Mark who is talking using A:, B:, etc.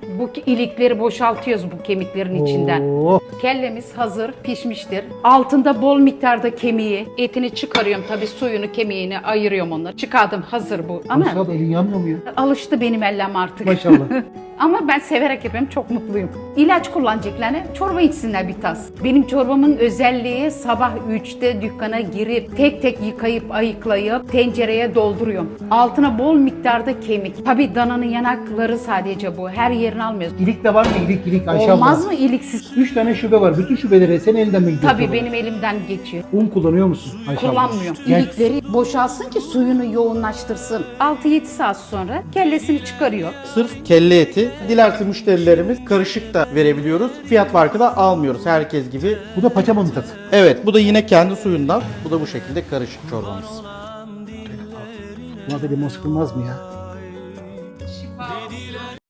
A: Bu ilikleri boşaltıyoruz bu kemiklerin içinden.
B: Oo.
A: Kellemiz hazır, pişmiştir. Altında bol miktarda kemiği, etini çıkarıyorum tabii, suyunu, kemiğini ayırıyorum onları. Çıkardım, hazır bu. Ama
B: Maşallah, elin yanmıyor mu ya?
A: alıştı benim ellem artık.
B: Maşallah.
A: Ama ben severek yapıyorum, çok mutluyum. İlaç kullanacaklarına çorba içsinler bir tas. Benim çorbamın özelliği sabah 3'te dükkana girip tek tek yıkayıp ayıklayıp tencereye dolduruyorum. Altına bol miktarda kemik. Tabii dananın yanakları sadece bu. Her yerini almıyoruz.
B: İlik de var mı? İlik Ayşe
A: Olmaz
B: abla.
A: mı iliksiz?
B: 3 tane şube var. Bütün şubeleri senin elinden mi gidiyor?
A: Tabii
B: sonra?
A: benim elimden geçiyor.
B: Un kullanıyor musun Ayşe abla?
A: Kullanmıyorum.
B: Gel.
A: İlikleri boşalsın ki suyunu yoğunlaştırsın. 6-7 saat sonra kellesini çıkarıyor.
C: Sırf kelle eti. Dilerse müşterilerimiz karışık da verebiliyoruz. Fiyat farkı da almıyoruz herkes gibi.
B: Bu da paça manitası.
C: Evet, bu da yine kendi suyundan. Bu da bu şekilde karışık çorbamız.
B: Buna da limon sıkılmaz mı ya?